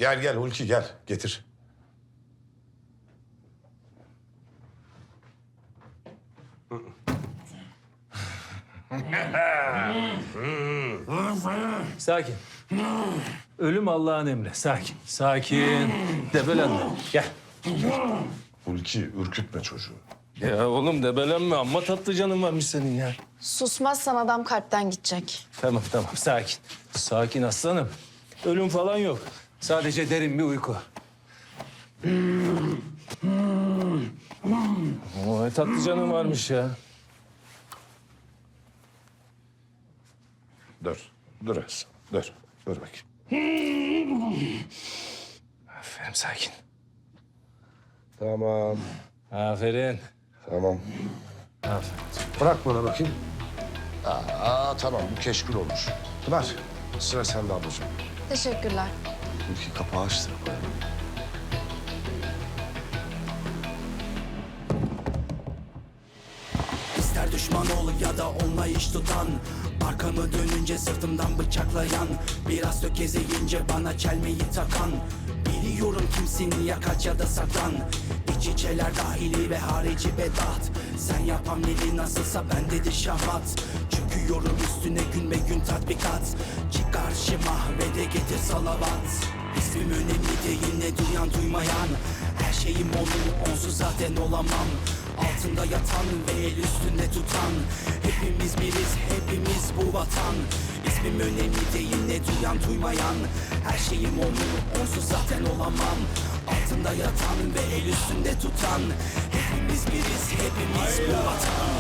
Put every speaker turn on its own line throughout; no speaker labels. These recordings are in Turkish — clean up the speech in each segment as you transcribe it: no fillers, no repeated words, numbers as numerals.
Gel gel Hulki gel getir.
Sakin. Ölüm Allah'ın emri. Sakin. Sakin. Debelenme. Gel.
Hulki ürkütme çocuğu.
Ya oğlum debelenme. Amma tatlı canın varmış senin ya.
Susmazsan adam kalpten gidecek.
Tamam tamam sakin. Sakin aslanım. Ölüm falan yok. Sadece derin bir uyku. Oo, tatlı canın varmış ya.
Dur. Dur Hasan. Dur. Dur bakayım.
Aferin sakin.
Tamam.
Aferin.
Tamam.
Aferin.
Bırak bana bakayım. Tamam bu keşkül olur. Pınar sıra sende ablacığım.
Teşekkürler.
Hulki kapağı açtır.
İster düşman ol ya da onunla iş tutan, arkamı dönünce sırtımdan bıçaklayan, biraz tökezleyince bana çelmeyi takan. Biliyorum kimsin, ya kaç ya da saklan. İç içeler dahili ve harici bedat. Sen yap hamleli nasılsa bendedir şahmat. Çöküyorum üstüne gün be gün tatbikat. Çık karşıma ve de getir salavat. İsmim önemli değil, ne duyan duymayan. Her şeyim onun, onsuz zaten olamam. Altında yatan ve el üstünde tutan. Hepimiz biriz, hepimiz bu vatan. İsmim önemli değil, ne duyan duymayan. Her şeyim onun, onsuz zaten olamam. Altında yatan ve el üstünde tutan. Hepimiz biriz, hepimiz bu vatan.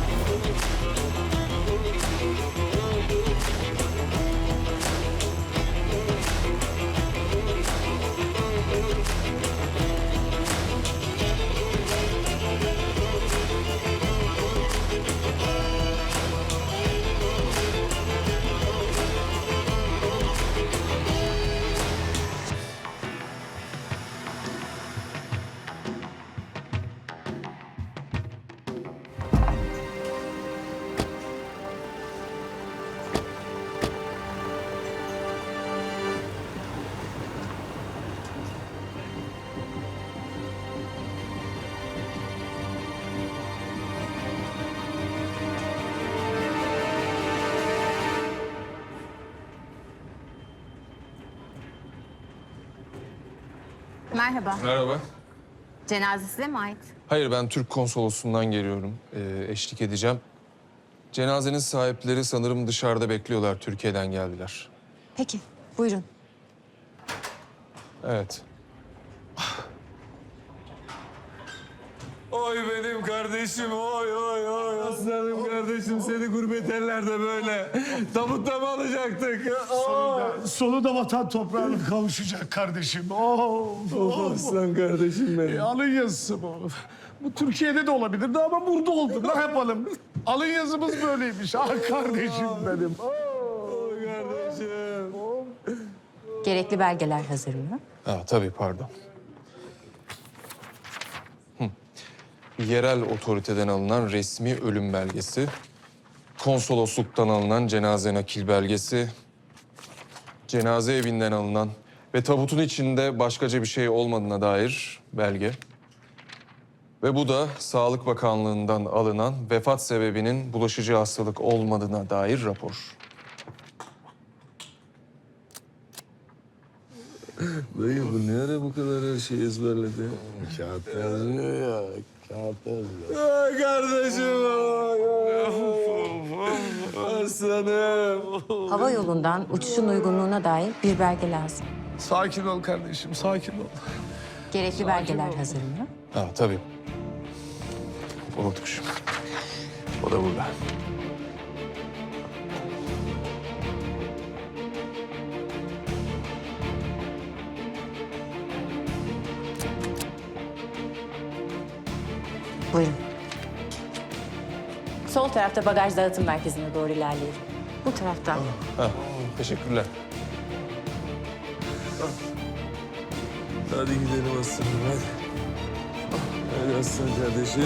Merhaba.
Merhaba.
Cenaze size mi ait?
Hayır, ben Türk konsolosluğundan geliyorum. Eşlik edeceğim. Cenazenin sahipleri sanırım dışarıda bekliyorlar. Türkiye'den geldiler.
Peki, buyurun.
Evet.
Oy benim kardeşim, oy oy oy. Aslanım kardeşim, seni gurbet ellerde böyle. Tabutta mı alacaktık?
Sonunda vatan toprağına kavuşacak kardeşim. Oh.
Aslan kardeşim benim.
Alın yazısı bu. Bu Türkiye'de de olabilirdi ama burada oldu. Ne yapalım? Alın yazımız böyleymiş. Ah kardeşim benim.
Oy kardeşim.
Gerekli belgeler hazır mı?
Ha, tabii, pardon. Yerel otoriteden alınan resmi ölüm belgesi, konsolosluktan alınan cenaze nakil belgesi, cenaze evinden alınan ve tabutun içinde başkaca bir şey olmadığına dair belge. Ve bu da Sağlık Bakanlığı'ndan alınan vefat sebebinin bulaşıcı hastalık olmadığına dair rapor.
Dayı bu ne ara bu kadar her şeyi ezberledi?
Kağıt yazıyor ya. Kağıt yazıyor.
Ay kardeşim, aslanım.
Hava yolundan uçuşun uygunluğuna dair bir belge lazım.
Sakin ol kardeşim, sakin ol.
Gerekli belgeler hazır mı?
Ha, tabii. Unutmuşum. O da burada.
Buyurun. Sol tarafta bagaj dağıtım merkezine doğru ilerleyelim. Bu taraftan.
Ha, teşekkürler.
Hadi gidelim aslanım, hadi. Hadi aslan kardeşim.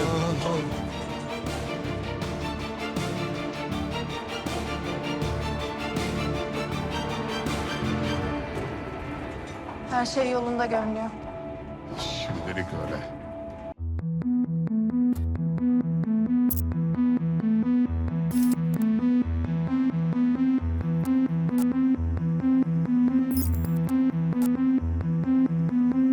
Her şey yolunda görünüyor.
Şimdilik öyle.